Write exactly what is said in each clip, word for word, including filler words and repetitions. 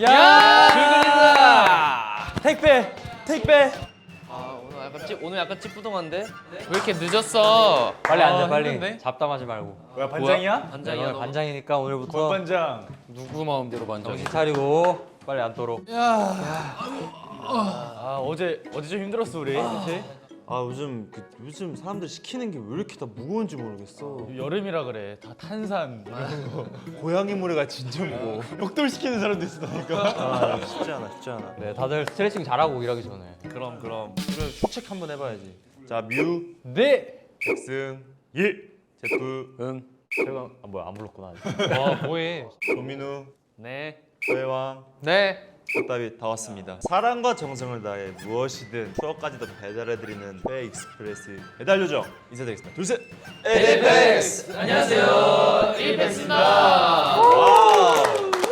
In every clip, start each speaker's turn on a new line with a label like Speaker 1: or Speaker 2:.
Speaker 1: 야! 출근했다!
Speaker 2: 택배! 택배!
Speaker 1: 아 오늘 약간 찌, 오늘 약간 찌뿌둥한데? 왜 이렇게 늦었어?
Speaker 3: 빨리 앉아
Speaker 1: 아,
Speaker 3: 빨리.
Speaker 1: 힘든데?
Speaker 3: 잡담하지 말고.
Speaker 2: 뭐야 반장이야?
Speaker 1: 반장이야
Speaker 3: 오늘
Speaker 1: 너.
Speaker 3: 반장이니까 오늘부터
Speaker 2: 권반장.
Speaker 1: 누구 마음대로 반장이?
Speaker 3: 정신 차리고 빨리 앉도록.
Speaker 2: 아 어제 어제 좀 힘들었어 우리. 그렇지?
Speaker 4: 아 요즘 그, 요즘 사람들 시키는 게 왜 이렇게 다 무거운지 모르겠어.
Speaker 2: 여름이라 그래. 다 탄산 이런 거.
Speaker 4: 고양이 모래가 진짜 무거워.
Speaker 2: 욕돌 시키는 사람도 있으니까.
Speaker 4: 아 쉽지 않아 쉽지 않아.
Speaker 3: 네, 다들 스트레칭 잘하고 일하기 전에.
Speaker 4: 그럼 그럼. 그럼 휴책 한번 해봐야지. 자 뮤,
Speaker 2: 네.
Speaker 4: 백승, 예, 제프,
Speaker 3: 응. 제가 아 뭐야 안 불렀구나. 아직.
Speaker 1: 와 뭐해?
Speaker 4: 조민우,
Speaker 1: 네.
Speaker 4: 서해왕,
Speaker 1: 네.
Speaker 4: 덕답이 다 왔습니다. 사랑과 정성을 다해 무엇이든 추억까지도 배달해드리는 회 익스프레스 배달 요정 인사드리겠습니다. 둘 셋.
Speaker 1: 에이펙스! 안녕하세요. 에이펙스입니다.
Speaker 4: 와우.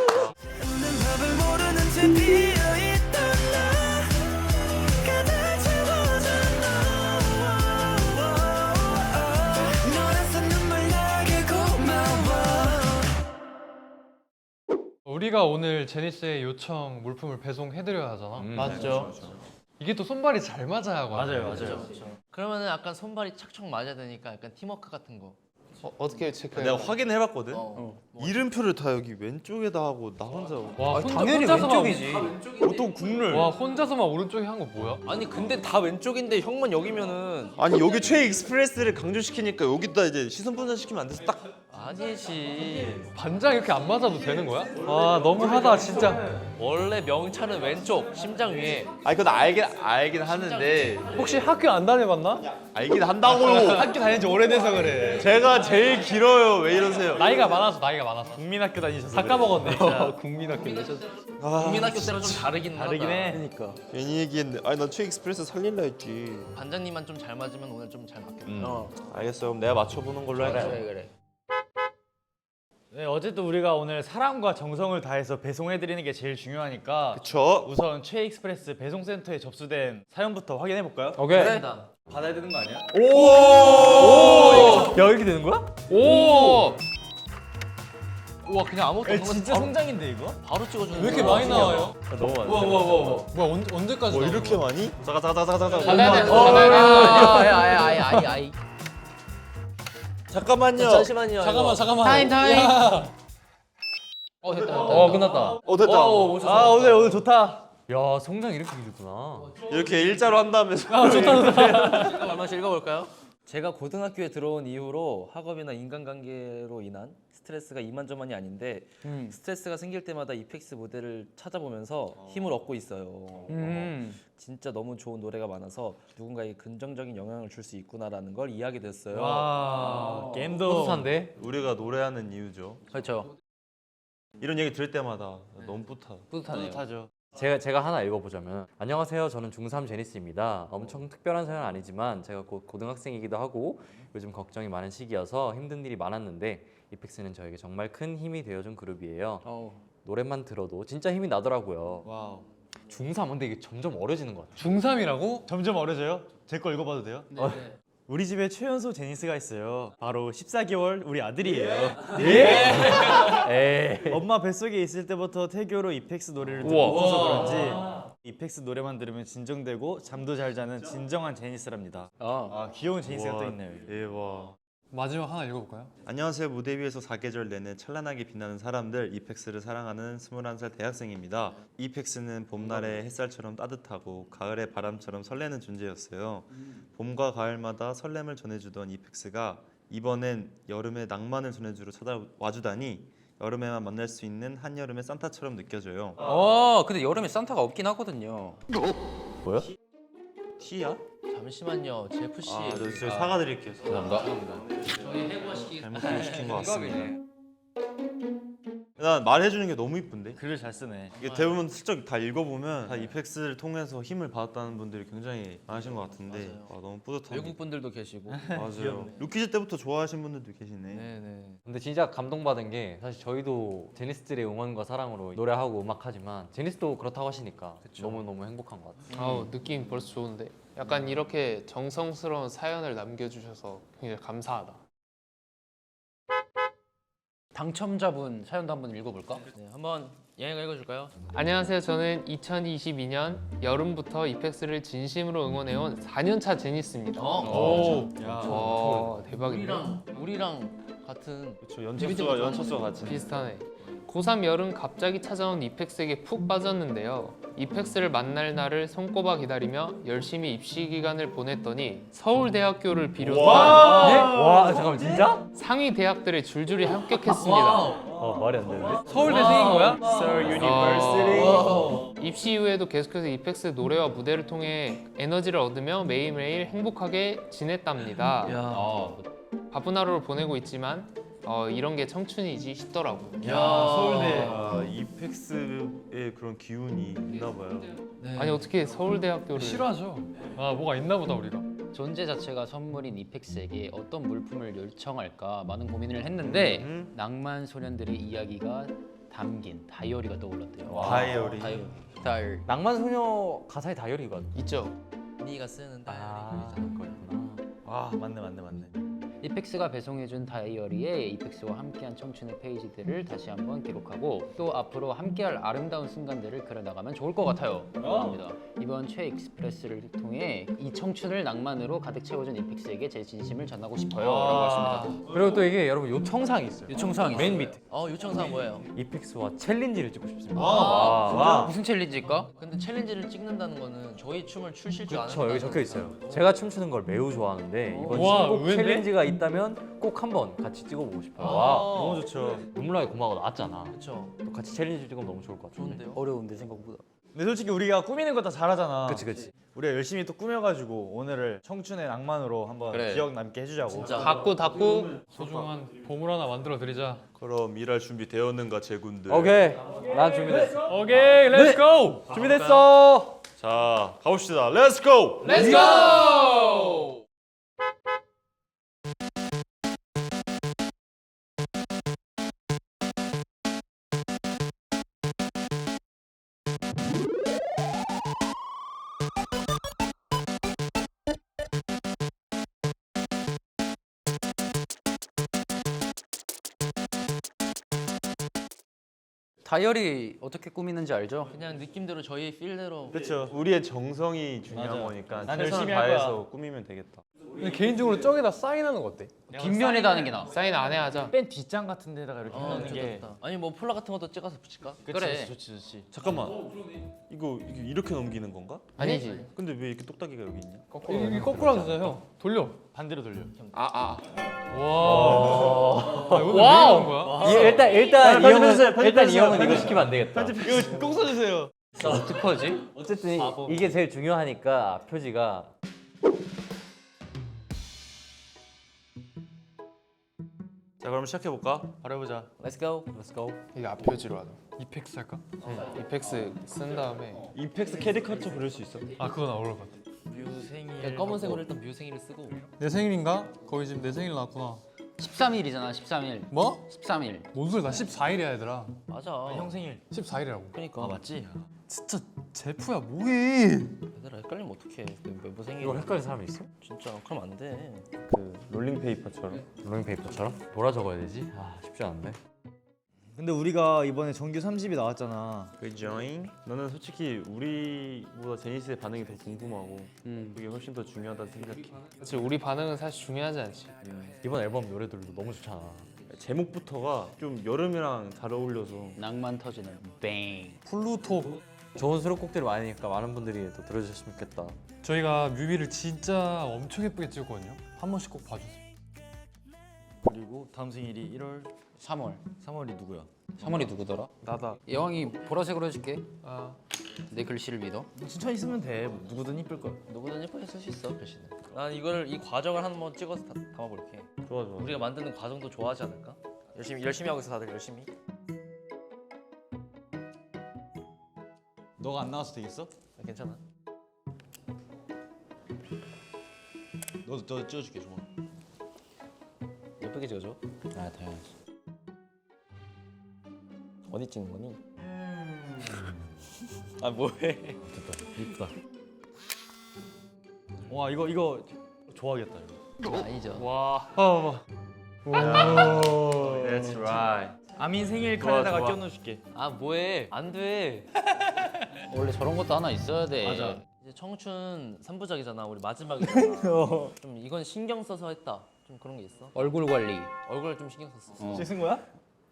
Speaker 5: 우리가 오늘 제니스의 요청 물품을 배송해드려야 하잖아.
Speaker 1: 음,
Speaker 2: 맞죠.
Speaker 5: 이게 또 손발이 잘 맞아야 하고.
Speaker 2: 맞아요 맞아요.
Speaker 1: 그러면은 약간 손발이 착착 맞아야 되니까 약간 팀워크 같은 거.
Speaker 5: 어, 어떻게 체크해?
Speaker 4: 내가 확인을 해봤거든.
Speaker 1: 어.
Speaker 4: 이름표를 다 여기 왼쪽에다 하고 나 혼자.
Speaker 5: 와, 혼자,
Speaker 2: 당연히
Speaker 5: 혼자서만,
Speaker 2: 왼쪽이지. 보통 국룰.
Speaker 5: 와 혼자서만 오른쪽에 한 거 뭐야?
Speaker 1: 아니 근데 다 왼쪽인데 형만 여기면은
Speaker 4: 아니 여기 최 익스프레스를 강조시키니까 여기다 이제 시선 분산시키면 안 돼서 딱.
Speaker 1: 아니지.
Speaker 5: 반장 이렇게 안 맞아도 되는 거야? 와 너무하다 진짜.
Speaker 1: 원래 명차는 왼쪽 심장 위에.
Speaker 4: 아니 그건 알긴 알긴 하는데
Speaker 5: 혹시 학교 안 다녀봤나?
Speaker 4: 알긴 한다고요.
Speaker 2: 학교 다닌 지 오래돼서 그래.
Speaker 4: 제가 제일 길어요. 왜 이러세요?
Speaker 5: 나이가 많아서 나이가 많아서.
Speaker 2: 국민학교 다니셔서.
Speaker 5: 다 까먹었네. 진짜.
Speaker 2: 국민학교 내셨.
Speaker 1: 국민학교 때랑 좀 다르긴 하다.
Speaker 2: 다르긴 해.
Speaker 4: 그러니까 괜히 얘기했는데. 아니 나 최 익스프레스 살릴라 했지.
Speaker 1: 반장님만 좀 잘 맞으면 오늘 좀 잘 맞겠다.
Speaker 2: 음.
Speaker 1: 어.
Speaker 4: 알겠어. 그럼 내가 맞춰보는 걸로
Speaker 1: 그래
Speaker 4: 할게.
Speaker 1: 그래 그래.
Speaker 2: 네 어쨌든 우리가 오늘 사랑과 정성을 다해서 배송해드리는 게 제일 중요하니까.
Speaker 4: 그쵸?
Speaker 2: 우선 최익스프레스 배송센터에 접수된 사연부터 확인해 볼까요?
Speaker 3: 오케이.
Speaker 1: 일단.
Speaker 2: 받아야 되는 거 아니야?
Speaker 4: 오!
Speaker 2: 야 이렇게 되는 거야?
Speaker 1: 오. 우와 그냥 아무것도
Speaker 2: 야,
Speaker 1: 없는 거
Speaker 2: 진짜
Speaker 1: 바로,
Speaker 2: 성장인데 이거?
Speaker 1: 바로 찍어주는
Speaker 5: 왜 이렇게
Speaker 1: 거야.
Speaker 5: 많이 나와요?
Speaker 2: 너무 많아.
Speaker 5: 뭐야 언, 언제까지?
Speaker 4: 뭐
Speaker 5: 나오는
Speaker 4: 이렇게
Speaker 5: 거야?
Speaker 4: 많이? 잠깐 잠깐 잠깐 잠깐
Speaker 1: 받아야 돼.
Speaker 4: 잠깐.
Speaker 1: 받아야 돼. 아이 아이 아이 아이 아이.
Speaker 4: 잠깐만요.
Speaker 1: 잠시만요.
Speaker 5: 잠깐만
Speaker 1: 이거.
Speaker 5: 잠깐만.
Speaker 1: 타임 타임.
Speaker 5: 야.
Speaker 1: 어 됐다 됐다.
Speaker 3: 어 끝났다.
Speaker 4: 어 됐다.
Speaker 1: 오, 오셨어.
Speaker 2: 아 오늘 오늘 좋다.
Speaker 3: 야 성장 이렇게 길구나.
Speaker 4: 이렇게 일자로 한다면서.
Speaker 1: 한 번씩 읽어볼까요? 제가 고등학교에 들어온 이후로 학업이나 인간관계로 인한 스트레스가 이만저만이 아닌데 스트레스가 생길 때마다 이펙스 무대를 찾아보면서 힘을 얻고 있어요.
Speaker 2: 음.
Speaker 1: 진짜 너무 좋은 노래가 많아서 누군가에게 긍정적인 영향을 줄 수 있구나라는 걸 이해하게 됐어요.
Speaker 2: 와 게임도.
Speaker 3: 뿌듯한데?
Speaker 4: 우리가 노래하는 이유죠.
Speaker 1: 그렇죠.
Speaker 4: 이런 얘기 들을 때마다 너무 뿌듯하.
Speaker 1: 뿌듯하네요.
Speaker 2: 뿌듯하죠.
Speaker 3: 제가 제가 하나 읽어보자면 안녕하세요. 저는 중삼 제니스입니다. 엄청 특별한 사연은 아니지만 제가 곧 고등학생이기도 하고 요즘 걱정이 많은 시기여서 힘든 일이 많았는데 이펙스는 저에게 정말 큰 힘이 되어준 그룹이에요.
Speaker 1: 어우.
Speaker 3: 노래만 들어도 진짜 힘이 나더라고요.
Speaker 2: 와우.
Speaker 3: 중삼 근데 이게 점점 어려지는 것 같아요.
Speaker 5: 중삼이라고?
Speaker 2: 점점 어려져요? 제 거 읽어봐도 돼요?
Speaker 1: 네.
Speaker 2: 우리 집에 최연소 제니스가 있어요. 바로 십사 개월 우리 아들이에요.
Speaker 3: 에이.
Speaker 2: 엄마 뱃속에 있을 때부터 태교로 이펙스 노래를 듣고
Speaker 1: 우와.
Speaker 2: 커서 그런지 이펙스 노래만 들으면 진정되고 잠도 잘 자는 진정한 제니스랍니다.
Speaker 1: 어.
Speaker 2: 아 귀여운 제니스가
Speaker 4: 우와,
Speaker 2: 또 있네요. 여기.
Speaker 4: 대박.
Speaker 5: 마지막 하나 읽어볼까요?
Speaker 4: 안녕하세요. 무대 위에서 사계절 내내 찬란하게 빛나는 사람들 이펙스를 사랑하는 스물한 살 대학생입니다. 이펙스는 봄날의 햇살처럼 따뜻하고 가을의 바람처럼 설레는 존재였어요. 봄과 가을마다 설렘을 전해주던 이펙스가 이번엔 여름의 낭만을 전해주러 찾아와주다니 여름에만 만날 수 있는 한여름의 산타처럼 느껴져요.
Speaker 6: 어, 근데 여름에 산타가 없긴 하거든요.
Speaker 4: 뭐야? 티야?
Speaker 1: 잠시만요, 제프 씨.
Speaker 4: 아, 저, 저 사과드릴게요.
Speaker 1: 감사합니다. 저희 해부시키.
Speaker 4: 잘못 시킨 것 같습니다. 난 말해주는 게 너무 이쁜데?
Speaker 2: 글을 잘 쓰네.
Speaker 4: 이게 대부분 슬쩍 다 읽어보면 다 이펙스를 통해서 힘을 받았다는 분들이 굉장히 많으신 것 같은데 아, 너무 뿌듯합니다.
Speaker 1: 외국 분들도 계시고.
Speaker 4: 맞아요. 루키즈 때부터 좋아하신 분들도 계시네.
Speaker 1: 네네.
Speaker 3: 근데 진짜 감동받은 게 사실 저희도 제니스들의 응원과 사랑으로 노래하고 음악하지만 제니스도 그렇다고 하시니까 너무너무 행복한 것 같아요.
Speaker 7: 아우 느낌 벌써 좋은데 약간 이렇게 정성스러운 사연을 남겨주셔서 굉장히 감사하다.
Speaker 6: 당첨자분 사연도 한번 읽어볼까?
Speaker 1: 네, 한번 얘가 읽어줄까요?
Speaker 7: 안녕하세요. 저는 이천이십이 년 여름부터 이펙스를 진심으로 응원해온 사 년차 제니스입니다.
Speaker 1: 어?
Speaker 7: 와 대박이네.
Speaker 1: 우리랑 우리랑 같은
Speaker 4: 저 연차수가 연차수가 같이.
Speaker 7: 비슷하네. 고삼 여름 갑자기 찾아온 이펙스에게 푹 빠졌는데요. 이펙스를 만날 날을 손꼽아 기다리며 열심히 입시 기간을 보냈더니 서울대학교를 비롯한
Speaker 2: 와 잠깐만 진짜?
Speaker 7: 상위 대학들에 줄줄이 합격했습니다.
Speaker 2: 어 말이 안 되는데?
Speaker 5: 서울대생인 거야?
Speaker 4: Seoul
Speaker 7: University. 입시 이후에도 계속해서 이펙스 노래와 무대를 통해 에너지를 얻으며 매일매일 행복하게 지냈답니다.
Speaker 1: 야,
Speaker 7: 바쁜 하루를 보내고 있지만 어, 이런 게 청춘이지 싶더라고.
Speaker 1: 야 서울대.
Speaker 4: 아, 이펙스의 그런 기운이 있나 봐요.
Speaker 1: 네.
Speaker 7: 아니 어떻게 서울대학교를
Speaker 5: 싫어하죠. 아 뭐가 있나 보다 우리가.
Speaker 6: 존재 자체가 선물인 이펙스에게 어떤 물품을 요청할까 많은 고민을 했는데
Speaker 4: 음.
Speaker 6: 낭만 소년들의 이야기가 담긴 다이어리가 떠올랐대요.
Speaker 4: 다이어리.
Speaker 1: 다이어리.
Speaker 6: 다이어리.
Speaker 3: 낭만 소녀 가사에 다이어리가
Speaker 7: 있죠?
Speaker 1: 네가 쓰는 다이어리.
Speaker 3: 아
Speaker 1: 그거였잖아.
Speaker 4: 아 맞네 맞네 맞네.
Speaker 6: 이펙스가 배송해준 다이어리에 이펙스와 함께한 청춘의 페이지들을 다시 한번 기록하고 또 앞으로 함께할 아름다운 순간들을 그려나가면 좋을 것 같아요. 합니다. 이번 최 익스프레스를 통해 이 청춘을 낭만으로 가득 채워준 이펙스에게 제 진심을 전하고 싶어요. 라고 했습니다.
Speaker 3: 그리고 또 이게 여러분 요청사항이 있어요.
Speaker 6: 요청사항이
Speaker 3: 맨
Speaker 6: 있어요.
Speaker 3: 밑에
Speaker 1: 어 요청사항 뭐예요?
Speaker 3: 이펙스와 챌린지를 찍고 싶습니다.
Speaker 6: 와, 무슨 챌린지일까?
Speaker 1: 근데 챌린지를 찍는다는 거는 저희 춤을 추실 줄 아는.
Speaker 3: 저 여기 적혀 있어요. 제가 춤추는 걸 매우 좋아하는데 이번
Speaker 5: 와,
Speaker 3: 신곡
Speaker 5: 의외인데?
Speaker 3: 챌린지가 있다면 꼭 한번 같이 찍어보고 싶어요.
Speaker 1: 아,
Speaker 3: 와,
Speaker 4: 너무 좋죠.
Speaker 3: 눈물나게 고마워 나왔잖아.
Speaker 1: 그렇죠.
Speaker 3: 또 같이 챌린지 찍으면 너무 좋을 것 같은데.
Speaker 1: 좋은데요?
Speaker 6: 어려운데 생각보다.
Speaker 2: 근데 솔직히 우리가 꾸미는 거 다 잘하잖아.
Speaker 3: 그치 그치.
Speaker 2: 우리가 열심히 또 꾸며가지고 오늘을 청춘의 낭만으로 한번
Speaker 1: 그래.
Speaker 2: 기억 남게 해주자고.
Speaker 1: 진짜.
Speaker 7: 닫고 닫고
Speaker 5: 소중한 보물 하나 만들어 드리자.
Speaker 4: 그럼 일할 준비 되었는가 제군들.
Speaker 3: 오케이, 난 준비됐어.
Speaker 5: 오케이, 렛츠 고.
Speaker 3: 준비됐어.
Speaker 4: 자 가봅시다. 렛츠 고.
Speaker 7: 렛츠 고!
Speaker 6: 다이어리 어떻게 꾸미는지 알죠?
Speaker 1: 그냥 느낌대로 저희 필대로.
Speaker 4: 그렇죠. 우리의 정성이 중요한
Speaker 2: 맞아.
Speaker 4: 거니까
Speaker 2: 난
Speaker 4: 최선을
Speaker 2: 열심히 할
Speaker 4: 다해서 꾸미면 되겠다.
Speaker 5: 근데 개인적으로 저기다 사인하는 거 어때?
Speaker 6: 뒷면에다 하는 게 나아.
Speaker 7: 사인 안 해 하자.
Speaker 2: 뺀 뒷장 같은 데다가 이렇게
Speaker 1: 어,
Speaker 2: 하는
Speaker 1: 좋다,
Speaker 2: 게.
Speaker 1: 좋다. 아니 뭐 폴라 같은 것도 찍어서 붙일까?
Speaker 6: 그래.
Speaker 2: 좋지 좋지.
Speaker 4: 잠깐만. 이거 이게 이렇게 넘기는 건가?
Speaker 7: 아니지.
Speaker 4: 근데 왜 이렇게 똑딱이가 여기 있냐?
Speaker 5: 이게 거꾸로 하면 되잖아요. 돌려.
Speaker 2: 반대로 돌려.
Speaker 7: 아 아.
Speaker 5: 와. 아, 이거 왜 이러는 거야?
Speaker 3: 이- 일단 일단 이
Speaker 4: 편집해주세요,
Speaker 3: 형은 일단 이
Speaker 4: 편집해주세요.
Speaker 3: 형은 이거 시키면 안 되겠다.
Speaker 2: 이거 꼭 써주세요.
Speaker 6: 어떡하지?
Speaker 3: 어쨌든 이- 이게 제일 중요하니까 표지가
Speaker 4: 자 그럼 시작해 볼까?
Speaker 2: 바로 해보자.
Speaker 1: Let's go.
Speaker 3: Let's go.
Speaker 7: 이게 앞표지로 하자.
Speaker 5: 이펙스 할까?
Speaker 7: 이펙스 쓴 다음에
Speaker 4: 이펙스 캐리커처 그릴 수 있어?
Speaker 5: 아 그건 어려울 것 같아.
Speaker 1: 뮤생일. 검은색으로 일단 뮤생일을 쓰고.
Speaker 5: 내 생일인가? 거의 지금 내 생일 나왔구나.
Speaker 6: 십삼 일이잖아. 십삼 일.
Speaker 5: 뭐?
Speaker 6: 십삼 일.
Speaker 5: 뭔 소리? 나 십사 일이야 얘들아.
Speaker 1: 맞아.
Speaker 2: 형 생일.
Speaker 5: 십사 일이라고.
Speaker 1: 그러니까.
Speaker 3: 맞지?
Speaker 5: 진짜 제프야 뭐해?
Speaker 1: 얘들아 헷갈리면 어떡해. 그 멤버 생일.
Speaker 3: 이거 헷갈리는 사람이 있어?
Speaker 1: 진짜 그럼 안 돼.
Speaker 4: 그 롤링 페이퍼처럼.
Speaker 3: 롤링페이퍼처럼? 뭐라 적어야 되지? 아 쉽지 않은데.
Speaker 2: 근데 우리가 이번에 정규 삼 집이 나왔잖아.
Speaker 4: 그jo잉? 나는 솔직히 우리보다 제니스의 반응이 더 궁금하고
Speaker 6: 음.
Speaker 4: 그게 훨씬 더 중요하다고 생각해.
Speaker 7: 그치, 우리 반응은 사실 중요하지 않지.
Speaker 3: 이번 앨범 노래들도 너무 좋잖아.
Speaker 4: 제목부터가 좀 여름이랑 잘 어울려서
Speaker 6: 낭만 터지는 뱅.
Speaker 5: 플루토.
Speaker 3: 좋은 수록곡들이 많으니까 많은 분들이 또 들어주셨으면 좋겠다.
Speaker 5: 저희가 뮤비를 진짜 엄청 예쁘게 찍었거든요. 한 번씩 꼭 봐주세요.
Speaker 2: 그리고 다음 생일이 일월
Speaker 6: 삼월.
Speaker 2: 삼월이 누구야?
Speaker 6: 삼월이 누구더라?
Speaker 5: 나다.
Speaker 6: 여왕이 보라색으로 해줄게.
Speaker 5: 아.
Speaker 6: 내 글씨를 믿어.
Speaker 2: 천천히 쓰면 돼. 뭐 누구든 이쁠 거야.
Speaker 1: 누구든 예쁘게 쓸 수 있어 글씨는. 난 이걸 이 과정을 한번 찍어서 다, 담아볼게.
Speaker 4: 좋아 좋아.
Speaker 1: 우리가 만드는 과정도 좋아하지 않을까? 열심히 열심히 하고 있어 다들 열심히.
Speaker 2: 너가 안 나와도 되겠어?
Speaker 1: 아, 괜찮아.
Speaker 2: 너도 너 찍어줄게 좋아.
Speaker 1: 예쁘게 찍어줘.
Speaker 6: 아 당연하지.
Speaker 1: 어디 찍는 거니? 아 뭐해?
Speaker 3: 이쁘다.
Speaker 2: 와 이거 이거 좋아하겠다 이거.
Speaker 1: 아니죠.
Speaker 5: 와. 아, 봐봐.
Speaker 4: That's right.
Speaker 2: 아민 생일
Speaker 3: 좋아,
Speaker 2: 칸에다가
Speaker 3: 좋아.
Speaker 2: 끼워넣어줄게.
Speaker 1: 아 뭐해? 안 돼.
Speaker 6: 원래 저런 것도 하나 있어야 돼.
Speaker 2: 맞아.
Speaker 1: 이제 청춘 삼 부작이잖아. 우리 마지막이잖아. 좀 이건 신경 써서 했다. 좀 그런 게 있어?
Speaker 6: 얼굴 관리.
Speaker 1: 얼굴 좀 신경 썼어.
Speaker 6: 어.
Speaker 2: 씻은 거야?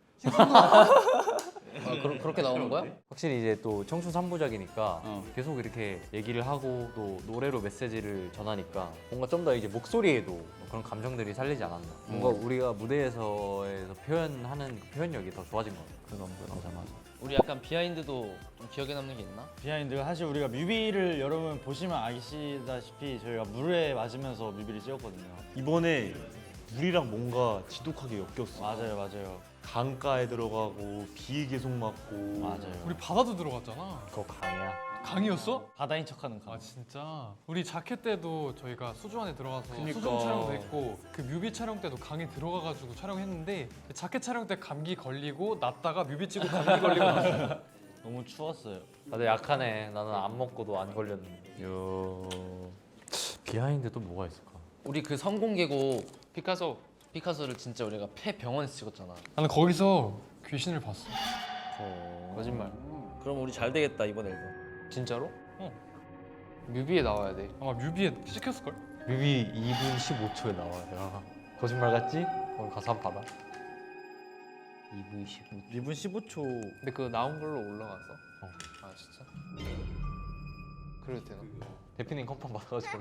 Speaker 6: 아, 그러, 그렇게 나오는 거야?
Speaker 3: 확실히 이제 또 청춘 삼 부작이니까
Speaker 6: 어.
Speaker 3: 계속 이렇게 얘기를 하고 또 노래로 메시지를 전하니까 뭔가 좀 더 이제 목소리에도 그런 감정들이 살리지 않았나. 뭔가 우리가 무대에서에서 표현하는 그 표현력이 더 좋아진 것 같아. 그런 거 맞아 맞아.
Speaker 1: 우리 약간 비하인드도 좀 기억에 남는 게 있나?
Speaker 2: 비하인드가 사실 우리가 뮤비를 여러분 보시면 아시다시피 저희가 물에 맞으면서 뮤비를 찍었거든요.
Speaker 4: 이번에 물이랑 뭔가 지독하게 엮였어.
Speaker 2: 맞아요, 맞아요,
Speaker 4: 강가에 들어가고 비에 계속 맞고.
Speaker 2: 맞아요.
Speaker 5: 우리 바다도 들어갔잖아.
Speaker 3: 그거 강이야.
Speaker 5: 강이었어?
Speaker 2: 바다인 척하는 강.
Speaker 5: 아 진짜. 우리 자켓 때도 저희가 수중 안에 들어가서
Speaker 4: 그니까.
Speaker 5: 수중 촬영도 했고 그 뮤비 촬영 때도 강에 들어가가지고 촬영했는데 자켓 촬영 때 감기 걸리고 났다가 뮤비 찍고 감기 걸리고 났어.
Speaker 2: 너무 추웠어요.
Speaker 3: 다들 약하네. 나는 안 먹고도 안 걸렸는데. 요. 비하인드 또 뭐가 있을까?
Speaker 1: 우리 그 성공 계곡
Speaker 7: 피카소.
Speaker 1: 피카소를 진짜 우리가 폐병원에서 찍었잖아.
Speaker 5: 나는 거기서 귀신을 봤어.
Speaker 7: 거짓말.
Speaker 1: 그럼 우리 잘 되겠다 이번 앨범.
Speaker 7: 진짜로?
Speaker 5: 어.
Speaker 7: 뮤비에 나와야 돼.
Speaker 5: 아마 뮤비에 찍혔을걸?
Speaker 3: 뮤비 이 분 십오 초에 나와요. 거짓말 같지? 오늘 가서 한번 봐봐.
Speaker 6: 이 분 십오.
Speaker 2: 이 분 십오 초.
Speaker 7: 근데 그거 나온 걸로 올라갔어?
Speaker 3: 어.
Speaker 7: 아 진짜? 그래도 되나?
Speaker 3: 대표님 컨펌 받아가지고.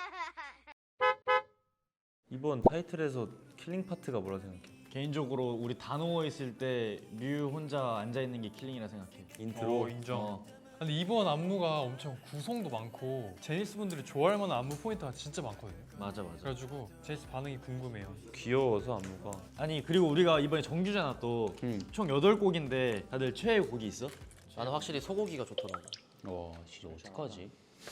Speaker 4: 이번 타이틀에서 킬링 파트가 뭐라 생각해?
Speaker 2: 개인적으로 우리 다 누워 있을 때 뮤 혼자 앉아 있는 게 킬링이라 생각해.
Speaker 4: 인트로.
Speaker 5: 어, 인정.
Speaker 2: 어.
Speaker 5: 근데 이번 안무가 엄청 구성도 많고 제니스 분들이 좋아할 만한 안무 포인트가 진짜 많거든요.
Speaker 2: 맞아, 맞아.
Speaker 5: 그래가지고 제니스 반응이 궁금해요.
Speaker 4: 귀여워서 안무가.
Speaker 2: 아니 그리고 우리가 이번에 정규잖아 또.
Speaker 6: 응.
Speaker 2: 총 여덟 곡인데 다들 최애 곡이 있어?
Speaker 1: 나는 확실히 소고기가 좋더라고.
Speaker 6: 와 진짜 어떡하지?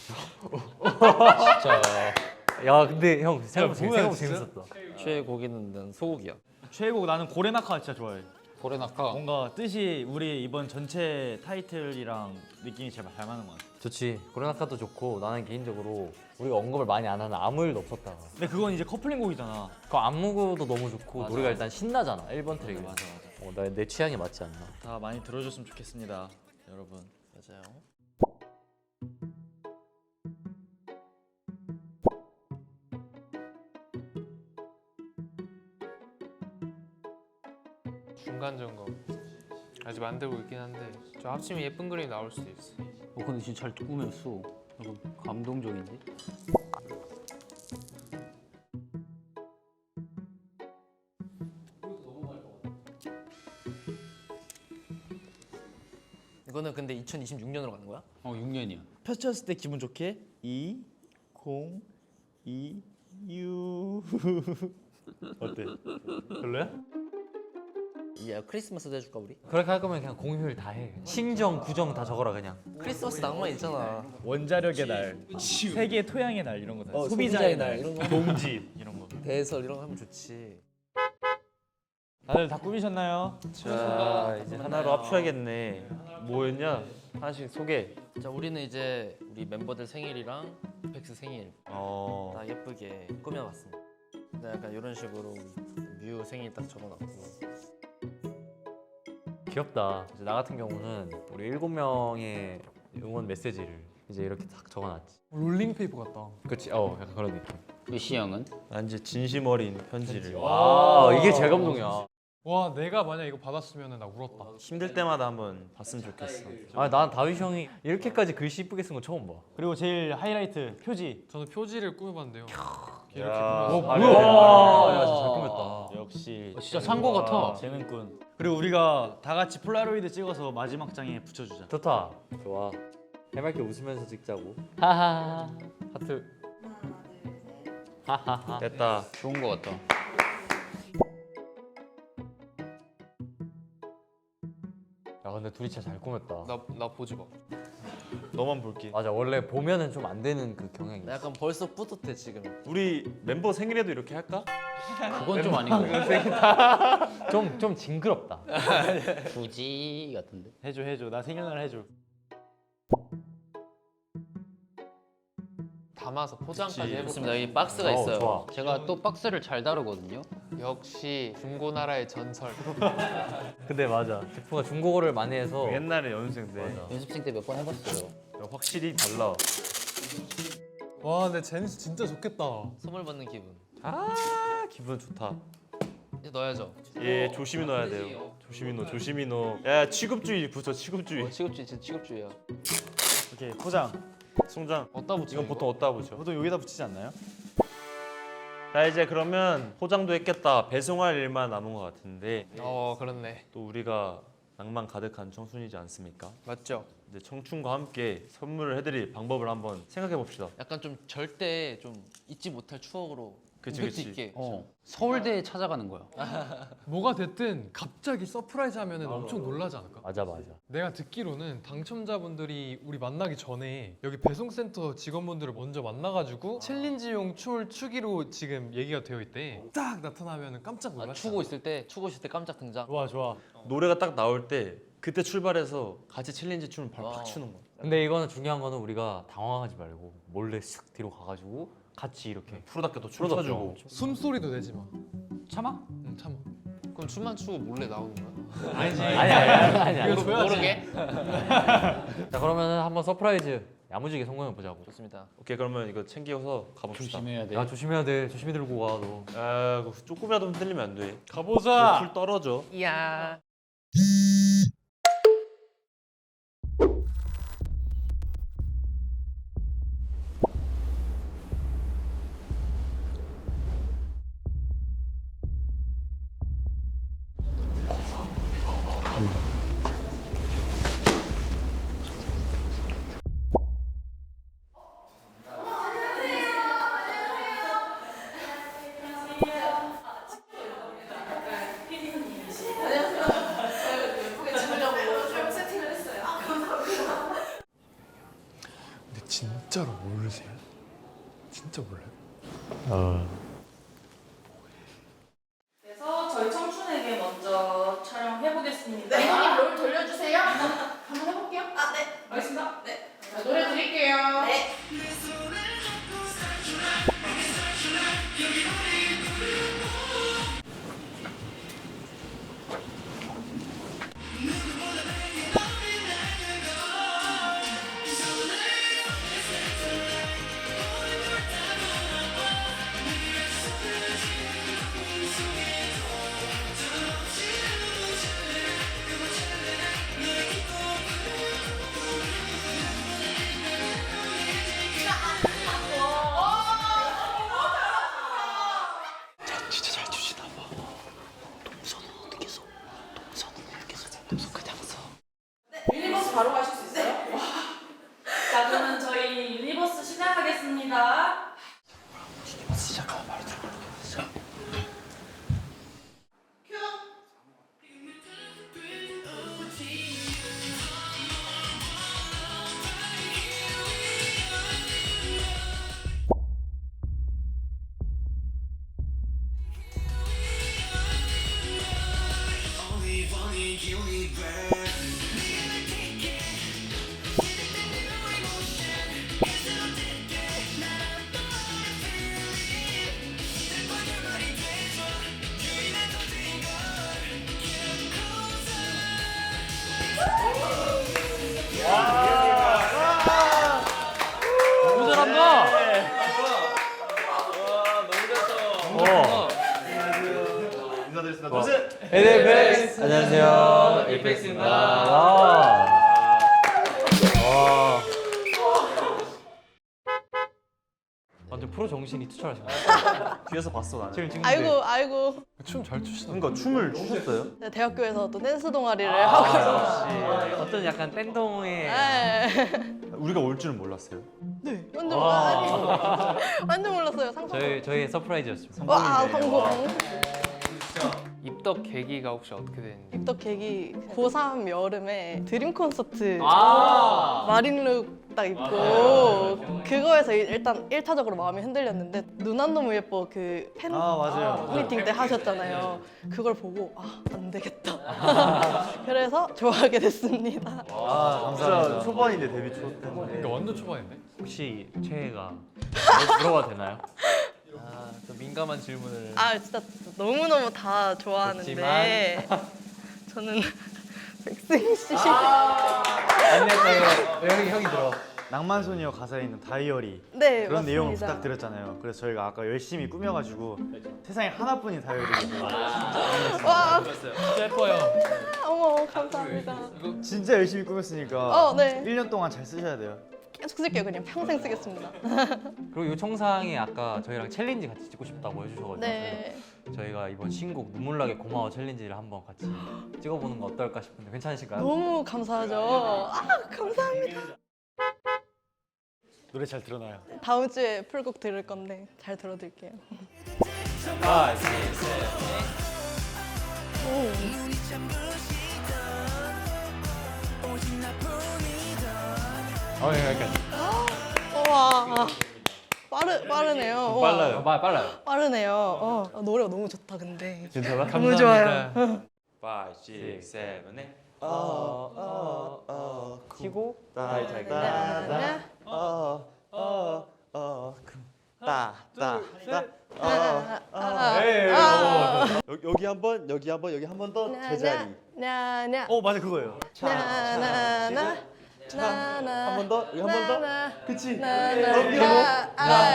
Speaker 3: 야 근데 형 생각
Speaker 2: 뭐야,
Speaker 3: 생각
Speaker 2: 진짜?
Speaker 3: 재밌었다.
Speaker 1: 최애 고기는 난 소고기야.
Speaker 2: 최애곡 나는 고레나카 진짜 좋아해.
Speaker 6: 고레나카.
Speaker 2: 뭔가 뜻이 우리 이번 전체 타이틀이랑 느낌이 제일 잘 맞는 것 같아.
Speaker 3: 좋지. 고레나카도 좋고 나는 개인적으로 우리가 언급을 많이 안 하는 아무 일도 없었다.
Speaker 2: 근데 그건 이제 커플링 곡이잖아.
Speaker 3: 그 안무도 너무 좋고
Speaker 2: 맞아,
Speaker 3: 노래가
Speaker 2: 맞아.
Speaker 3: 일단 신나잖아. 일 번 트랙이.
Speaker 2: 맞아, 맞아.
Speaker 3: 어, 나, 내 취향에 맞지 않나.
Speaker 2: 다 많이 들어줬으면 좋겠습니다, 여러분.
Speaker 1: 맞아요.
Speaker 7: 중간 점검. 아직 만들고 있긴 한데 저 합치면 예쁜 그림이 나올 수도 있어.
Speaker 6: 어 근데 진짜 잘 꾸몄어. 약간 감동적인데?
Speaker 1: 이거는 근데 이천이십육 년으로 가는 거야?
Speaker 6: 어 육 년이야.
Speaker 2: 펼쳤을 때 기분 좋게 이, 공, 이, 유. 어때? 별로야?
Speaker 1: 야 크리스마스도 해줄까 우리?
Speaker 3: 그렇게 할 거면 그냥 공휴일 다 해. 친정, 구정 다 적어라 그냥.
Speaker 1: 크리스마스 낭만 있잖아.
Speaker 2: 원자력의 날, 세계 토양의 날 이런 거 다.
Speaker 1: 어, 소비자의 날 이런 거.
Speaker 2: 동지 이런 거.
Speaker 1: 대설 이런 거 하면 좋지.
Speaker 2: 다들 다 꾸미셨나요?
Speaker 4: 자 이제 하나로 합쳐야겠네. 뭐였냐? 하나씩 소개.
Speaker 1: 자 우리는 이제 우리 멤버들 생일이랑 이펙스 생일
Speaker 4: 어.
Speaker 1: 다 예쁘게 꾸며봤습니다. 근데 약간 이런 식으로 뮤 생일 딱 적어놨고.
Speaker 3: 귀엽다. 이제 나 같은 경우는 우리 일곱 명의 응원 메시지를 이제 이렇게 딱 적어놨지.
Speaker 5: 롤링페이퍼 같다.
Speaker 3: 그렇지. 어, 약간 그런 느낌.
Speaker 6: 유시 형은?
Speaker 4: 난 이제 진심 어린 편지를.
Speaker 3: 와, 이게 제일 감동이야.
Speaker 5: 와 내가 만약 이거 받았으면 나 울었다.
Speaker 4: 힘들 때마다 한번 봤으면 좋겠어.
Speaker 3: 아, 난 다윗 형이 이렇게까지 글씨 이쁘게 쓴 거 처음 봐.
Speaker 2: 그리고 제일 하이라이트 표지.
Speaker 5: 저는 표지를 꾸며봤는데요. 이렇게
Speaker 4: 야.
Speaker 5: 꾸며서
Speaker 3: 아, 뭐야? 야, 진짜 잘 꾸몄다.
Speaker 2: 역시
Speaker 6: 어, 진짜 산 거 같아.
Speaker 2: 재능꾼. 그리고 우리가 다 같이 폴라로이드 찍어서 마지막 장에 붙여주자.
Speaker 3: 좋다. 좋아. 해맑게 웃으면서 찍자고. 하하. 하트. 하하하.
Speaker 4: 됐다.
Speaker 6: 좋은 거 같다.
Speaker 3: 야, 근데 둘이 진짜 잘 꾸몄다.
Speaker 7: 나 나 보지 마.
Speaker 4: 너만 볼게.
Speaker 3: 맞아, 원래 보면은 좀 안 되는 그 경향이 있어.
Speaker 1: 나 약간 벌써 뿌듯해 지금.
Speaker 4: 우리 멤버 생일에도 이렇게 할까?
Speaker 6: 그건 좀 아닌 거 같아.
Speaker 3: 좀, 좀 징그럽다.
Speaker 6: 굳이 같은데.
Speaker 2: 해줘 해줘. 나 생일날 해줘.
Speaker 7: 담아서 포장까지 해보겠습니다.
Speaker 1: 좋습니다. 여기 박스가
Speaker 3: 어,
Speaker 1: 있어요.
Speaker 3: 좋아.
Speaker 6: 제가 또 박스를 잘 다루거든요.
Speaker 7: 역시 중고나라의 전설.
Speaker 3: 근데 맞아. 제프가 중국어를 많이 해서
Speaker 4: 옛날에 연습생 때
Speaker 6: 연습생 때 몇 번 해봤어요.
Speaker 4: 확실히 달라.
Speaker 5: 와 근데 제니스 진짜 좋겠다.
Speaker 1: 선물 받는 기분.
Speaker 4: 아 기분 좋다.
Speaker 1: 이제 넣어야죠.
Speaker 4: 예 조심히 넣어야 돼요. 조심히 넣어 조심히 넣어. 야 취급주의 붙여 취급주의.
Speaker 1: 취급주의 진짜 취급주의야.
Speaker 2: 오케이 포장.
Speaker 4: 송장.
Speaker 1: 어디다 붙여?
Speaker 4: 이건 보통 어디다 붙여?
Speaker 2: 보통 여기다 붙이지 않나요?
Speaker 4: 자 이제 그러면 포장도 했겠다. 배송할 일만 남은 것 같은데
Speaker 7: 어 그렇네.
Speaker 4: 또 우리가 낭만 가득한 청춘이지 않습니까?
Speaker 7: 맞죠?
Speaker 4: 이제 청춘과 함께 선물을 해드릴 방법을 한번 생각해 봅시다.
Speaker 1: 약간 좀 절대 좀 잊지 못할 추억으로
Speaker 4: 그치,
Speaker 1: 임팩트
Speaker 4: 그치.
Speaker 1: 있게.
Speaker 6: 어, 서울대에 찾아가는 거야.
Speaker 5: 뭐가 됐든 갑자기 서프라이즈 하면은 엄청 놀라지 않을까?
Speaker 3: 맞아 맞아.
Speaker 5: 내가 듣기로는 당첨자분들이 우리 만나기 전에 여기 배송센터 직원분들을 먼저 만나가지고 챌린지용 춤을 추기로 지금 얘기가 되어 있대. 딱 나타나면 깜짝
Speaker 1: 아,
Speaker 5: 놀랐어.
Speaker 1: 추고 있을 때 추고 있을 때 깜짝 등장.
Speaker 2: 좋아 좋아.
Speaker 4: 노래가 딱 나올 때 그때 출발해서 같이 챌린지 춤을 바로
Speaker 1: 와우.
Speaker 4: 팍 추는 거야.
Speaker 3: 근데 이거는 중요한 거는 우리가 당황하지 말고 몰래 쓱 뒤로 가가지고 같이 이렇게
Speaker 4: 프로답게 또
Speaker 3: 프로답게
Speaker 4: 춤춰주고.
Speaker 5: 숨소리도 내지 마.
Speaker 6: 참아?
Speaker 5: 응 참아.
Speaker 7: 그럼 춤만 추고 몰래 나오는 거야?
Speaker 5: 아니지.
Speaker 3: 아니 아니 아니 아니.
Speaker 5: 이거 줘야지.
Speaker 1: 모르게.
Speaker 3: 자 그러면은 한번 서프라이즈 야무지게 성공해 보자고.
Speaker 1: 좋습니다.
Speaker 4: 오케이 그러면 이거 챙겨서 가봅시다.
Speaker 6: 조심해야 돼.
Speaker 3: 야 조심해야 돼. 조심히 들고 가 너.
Speaker 4: 아 그거 조금이라도 흔들리면 안 돼.
Speaker 2: 가보자.
Speaker 4: 풀 떨어져.
Speaker 7: 이야.
Speaker 5: 근데 진짜로 모르세요? 진짜 몰라요?
Speaker 3: 어.
Speaker 8: 그래서 저희 청춘에게 먼저 촬영해 보겠습니다. 네, 형님 롤 돌려주세요. 한번 해볼게요. 아, 네. 알겠습니다. 네. 자, 노래 드릴게요. 네. 유니버스 바로 가실 수 있어요? 와. 자, 그러면 저희 유니버스 시작하겠습니다. 유니버스 시작하면 바로 들어가겠죠. 큐.
Speaker 1: 너무 잘한다.
Speaker 3: 어.
Speaker 4: 인사드리겠습니다.
Speaker 3: 와.
Speaker 4: 노세.
Speaker 3: 에이펙스 안녕하세요.
Speaker 1: 에이펙스입니다.
Speaker 3: 와. 와. 완전 프로 정신이 투철하신 것 같아요.
Speaker 4: 뒤에서 봤어 나는.
Speaker 3: 지금 지금
Speaker 9: 아이고 아이고
Speaker 5: 춤 잘 추시나?
Speaker 4: 그러니까 춤을 추셨어요?
Speaker 9: 제가 대학교에서 또 댄스 동아리를 하고 있어요.
Speaker 3: 어떤 약간 땡동의
Speaker 9: 네.
Speaker 4: 우리가 올 줄은 몰랐어요.
Speaker 9: 완전 몰라 완전 몰랐어요. 상상.
Speaker 3: 저희 저희 서프라이즈였습니다.
Speaker 9: 와 성공.
Speaker 7: 입덕 계기가 혹시 어떻게 되는지.
Speaker 9: 입덕 계기 고삼 여름에 드림 콘서트
Speaker 1: 아.
Speaker 9: 마린룩 딱 입고 그거에서 일단 일 차적으로 마음이 흔들렸는데 누난 너무 예뻐 그 팬
Speaker 2: 아, 맞아요.
Speaker 9: 미팅 때 하셨잖아요. 그걸 보고 아, 안 되겠다. 그래서 좋아하게 됐습니다.
Speaker 2: 아,
Speaker 4: 진짜
Speaker 2: 감사합니다.
Speaker 4: 초반인데 데뷔 초 때문에.
Speaker 5: 그러니까 완전 초반인데?
Speaker 3: 혹시 최애가 물어봐도 되나요?
Speaker 1: 아, 또 민감한 질문을.
Speaker 9: 아 진짜 너무너무 다 좋아하는데 저는 백승희 씨
Speaker 2: 안녕하세요. 형이 형이 들어. 낭만소녀 가사에 있는 다이어리
Speaker 9: 네,
Speaker 2: 그런 내용을
Speaker 9: 맞습니다.
Speaker 2: 부탁드렸잖아요. 그래서 저희가 아까 열심히 꾸며가지고 세상에 하나뿐인 다이어리를
Speaker 9: 와
Speaker 5: 진짜 예뻐요.
Speaker 9: 어머 감사합니다.
Speaker 2: 진짜 열심히 꾸몄으니까
Speaker 9: 어, 네.
Speaker 2: 일 년 동안 잘 쓰셔야 돼요.
Speaker 9: 계속 쓸게요. 그냥 평생 쓰겠습니다.
Speaker 3: 그리고 이 청상에 아까 저희랑 챌린지 같이 찍고 싶다고 해주셔가지고
Speaker 9: 네.
Speaker 3: 저희가 이번 신곡 눈물나게 고마워 챌린지를 한번 같이 찍어보는 거 어떨까 싶은데 괜찮으실까요?
Speaker 9: 너무 감사하죠. 아 감사합니다.
Speaker 2: 노래 잘 들어놔요.
Speaker 9: 다음 주에 풀곡 들을 건데 잘 들어드릴게요.
Speaker 3: 어, 예, 여기까지.
Speaker 9: 우와 빠르 빠르네요. 우와,
Speaker 3: 빨라요. 말 빨라요.
Speaker 9: 빠르네요. 어, 아, 노래가 너무 좋다 근데.
Speaker 3: 괜찮아?
Speaker 9: 너무 좋아요.
Speaker 4: five, six, seven, eight.
Speaker 3: 치고
Speaker 4: 다이 다이
Speaker 9: 네, 네.
Speaker 4: 따따따
Speaker 9: 아, 아,
Speaker 2: 에이,
Speaker 9: 아.
Speaker 4: 여기 여기 한번 여기 한번 여기 한 번 더 제자리
Speaker 9: 나나
Speaker 2: 어 맞아 그거예요.
Speaker 9: 나나나 나나
Speaker 4: 한 번 더 여기 한 번 더
Speaker 9: 나나
Speaker 4: 그치
Speaker 9: 나나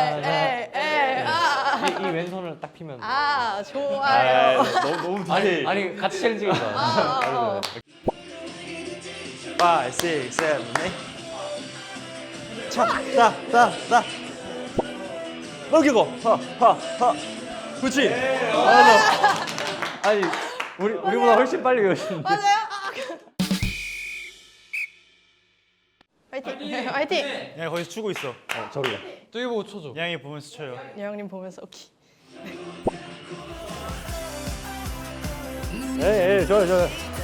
Speaker 9: 아에에아
Speaker 3: 이, 이 왼손을 딱 피면
Speaker 9: 아 좋아요.
Speaker 4: 너무 너무
Speaker 3: 아니
Speaker 4: 디테일
Speaker 3: 아니 같이 챌린지가 좋아요.
Speaker 9: 아, 어.
Speaker 4: five, six, seven, eight. 차따따따 넘기고 하하하 그치
Speaker 3: 아니 우리 우리보다 훨씬 빨리 외우시는데.
Speaker 9: 맞아요. 아, 화이팅 화이팅.
Speaker 2: 야 거기서 추고 있어.
Speaker 3: 어, 저기요.
Speaker 5: 저기 보고 쳐줘.
Speaker 2: 양이 보면서 쳐요.
Speaker 9: 예영님 보면서 오케이.
Speaker 3: 예, 예, 좋아요, 좋아요.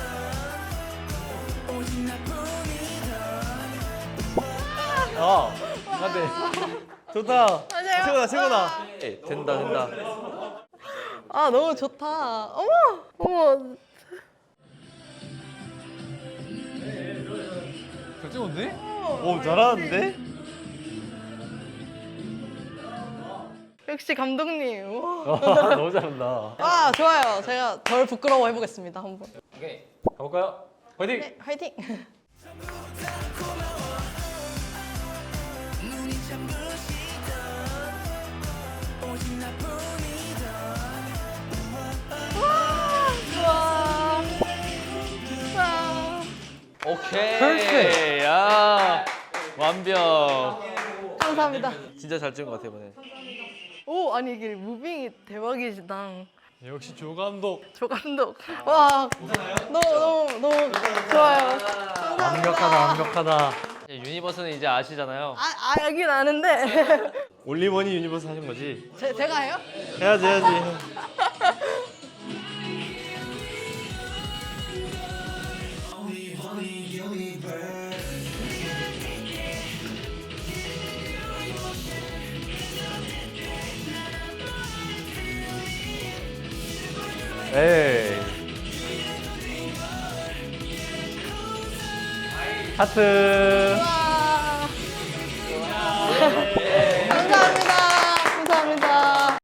Speaker 2: 아 맞네. 좋다.
Speaker 9: 맞아요.
Speaker 2: 최고다 최고다.
Speaker 1: 예, 된다 된다.
Speaker 9: 아 너무 좋다. 어머 어머.
Speaker 5: 잘 찍었네?
Speaker 2: 오 잘하는데?
Speaker 9: 역시 감독님. 우와.
Speaker 3: 너무 잘한다.
Speaker 9: 아 좋아요. 제가 덜 부끄러워 해보겠습니다 한번.
Speaker 3: 가볼까요? 화이팅!
Speaker 9: 네 화이팅. 와 좋아. 와.
Speaker 1: 오케이.
Speaker 3: 퍼펙트!
Speaker 1: 야 완벽.
Speaker 9: 감사합니다.
Speaker 1: 진짜 잘 찍은 것 같아 이번에.
Speaker 9: 오 아니 이게 무빙이 대박이시다.
Speaker 5: 역시 조 감독.
Speaker 9: 조 감독. 와 너무 너무 너무 좋아요. 감사합니다.
Speaker 3: 완벽하다, 완벽하다.
Speaker 1: 이제 유니버스는 이제 아시잖아요.
Speaker 9: 아, 아 여긴 아는데
Speaker 4: 올리머니 유니버스 하신 거지
Speaker 9: 제, 제가 해요?
Speaker 4: 해야지 해야지
Speaker 3: 에이. 하트.
Speaker 9: 와. 감사합니다. 감사합니다.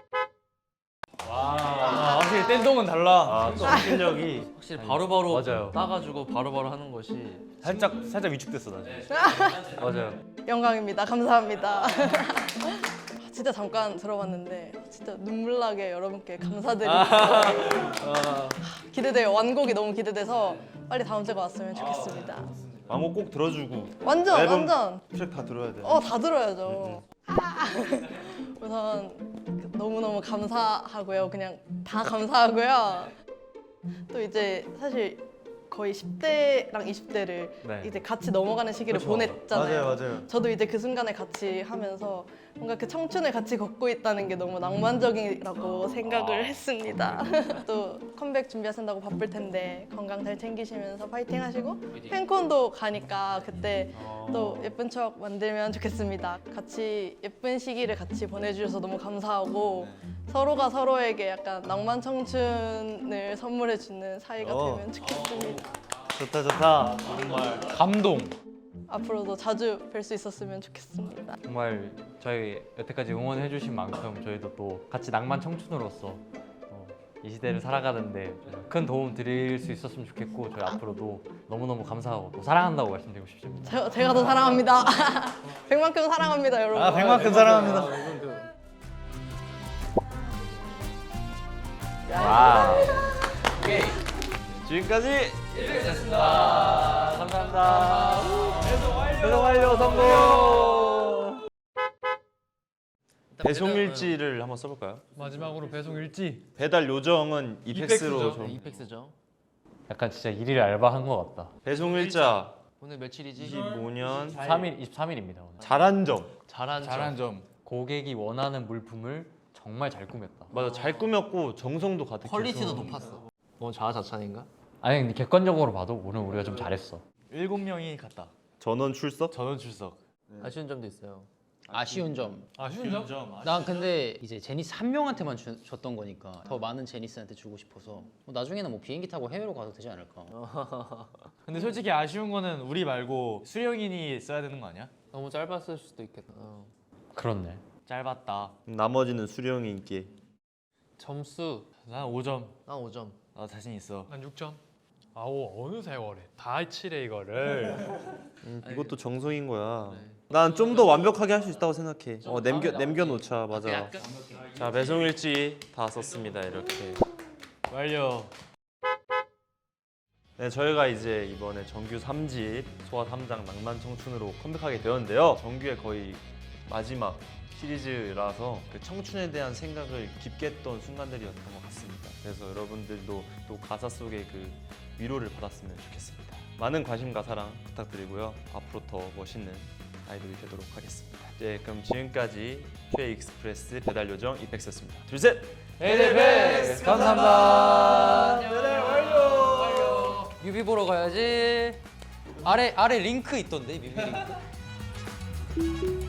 Speaker 2: 아 확실히 댄동은 달라.
Speaker 4: 아 실력이
Speaker 1: 확실히 바로바로
Speaker 3: 맞아요.
Speaker 1: 따가지고 바로바로 하는 것이.
Speaker 2: 살짝 살짝 위축됐어 나.
Speaker 3: 맞아요.
Speaker 9: 영광입니다. 감사합니다. 진짜 잠깐 들어봤는데 진짜 눈물나게 여러분께 감사드립니다. 기대돼요. 완곡이 너무 기대돼서 빨리 다음 주가 왔으면 좋겠습니다.
Speaker 4: 왕곡 꼭 들어주고
Speaker 9: 완전
Speaker 4: 앨범
Speaker 9: 완전
Speaker 4: 트랙 다 들어야 돼
Speaker 9: 어 다 들어야죠. 아. 우선 너무 너무 감사하고요. 그냥 다 감사하고요. 또 이제 사실 거의 십 대랑 이십 대를
Speaker 3: 네.
Speaker 9: 이제 같이 넘어가는 시기를
Speaker 3: 그렇죠.
Speaker 9: 보냈잖아요.
Speaker 4: 맞아요, 맞아요.
Speaker 9: 저도 이제 그 순간을 같이 하면서 뭔가 그 청춘을 같이 걷고 있다는 게 너무 낭만적이라고 생각을 했습니다. 또 컴백 준비하신다고 바쁠 텐데 건강 잘 챙기시면서 파이팅 하시고 팬콘도 가니까 그때 또 예쁜 추억 만들면 좋겠습니다. 같이 예쁜 시기를 같이 보내주셔서 너무 감사하고 서로가 서로에게 약간 낭만 청춘을 선물해주는 사이가
Speaker 4: 어.
Speaker 9: 되면 좋겠습니다.
Speaker 4: 좋다 좋다.
Speaker 2: 감동.
Speaker 9: 앞으로도 자주 뵐 수 있었으면 좋겠습니다.
Speaker 3: 정말 저희 여태까지 응원해주신 만큼 저희도 또 같이 낭만 청춘으로서 어, 이 시대를 살아가는데 큰 도움 드릴 수 있었으면 좋겠고 저희 앞으로도 너무너무 감사하고 또 사랑한다고 말씀드리고 싶습니다.
Speaker 9: 제가, 제가 더 사랑합니다. 백만큼 사랑합니다, 여러분.
Speaker 2: 아 백만큼 사랑합니다.
Speaker 3: 와우.
Speaker 4: 지금까지
Speaker 3: 아, 감사합니다. 배송 완료 성공.
Speaker 4: 배송 일지를 한번 써볼까요?
Speaker 5: 마지막으로 배송 일지.
Speaker 4: 배달 요정은 이펙스로
Speaker 5: 이펙스죠.
Speaker 4: 좀.
Speaker 1: 이펙스죠.
Speaker 3: 약간 진짜 일일 알바한 것 같다.
Speaker 4: 배송 일자
Speaker 1: 오늘 며칠이지?
Speaker 4: 이십오 년
Speaker 3: 이십삼 일 이십삼 일입니다 오늘.
Speaker 4: 잘한 점.
Speaker 1: 잘한
Speaker 2: 잘한 점.
Speaker 3: 고객이 원하는 물품을 정말 잘 꾸몄다.
Speaker 4: 맞아, 잘 꾸몄고 정성도 가득해서
Speaker 1: 퀄리티도 높았어. 뭐 자아자찬인가?
Speaker 3: 아니 근데 객관적으로 봐도 오늘 우리가 좀 잘했어.
Speaker 2: 일곱 명이 갔다.
Speaker 4: 전원 출석.
Speaker 2: 전원 출석.
Speaker 1: 아쉬운 점도 있어요.
Speaker 6: 아쉬운 점.
Speaker 5: 아쉬운 점?
Speaker 6: 난 근데 이제 제니스 한 명한테만 주, 줬던 거니까 더 많은 제니스한테 주고 싶어서 뭐 나중에는 뭐 비행기 타고 해외로 가도 되지 않을까.
Speaker 2: 근데 솔직히 아쉬운 거는 우리 말고 수령인이 써야 되는 거 아니야?
Speaker 7: 너무 짧았을 수도 있겠다.
Speaker 3: 그렇네.
Speaker 2: 짧았다.
Speaker 4: 나머지는 수령이 있게.
Speaker 7: 점수
Speaker 2: 난 오 점.
Speaker 1: 난 오 점.
Speaker 2: 나 자신 있어.
Speaker 5: 난 육 점. 아우 어느 세월에 다 칠해 이거를.
Speaker 4: 음, 이것도 정성인 거야. 난 좀 더 완벽하게 할 수 있다고 생각해. 어, 남겨 남겨 놓자. 맞아. 자, 배송 일지 다 썼습니다. 이렇게.
Speaker 2: 완료.
Speaker 4: 네, 저희가 이제 이번에 정규 삼 집 소아 삼 장 낭만 청춘으로 컴백하게 되었는데요. 정규의 거의 마지막 시리즈라서 그 청춘에 대한 생각을 깊게 했던 순간들이었던 것 같습니다. 그래서 여러분들도 또 가사 속에 그 위로를 받았으면 좋겠습니다. 많은 관심과 사랑 부탁드리고요. 앞으로 더 멋있는 아이돌이 되도록 하겠습니다. 네, 그럼 지금까지 최 익스프레스 배달 요정 이펙스였습니다. 둘 셋.
Speaker 2: 에이데이백스 감사합니다.
Speaker 1: 뮤비 보러 가야지. 아래 아래 링크 있던데 뮤비 링크.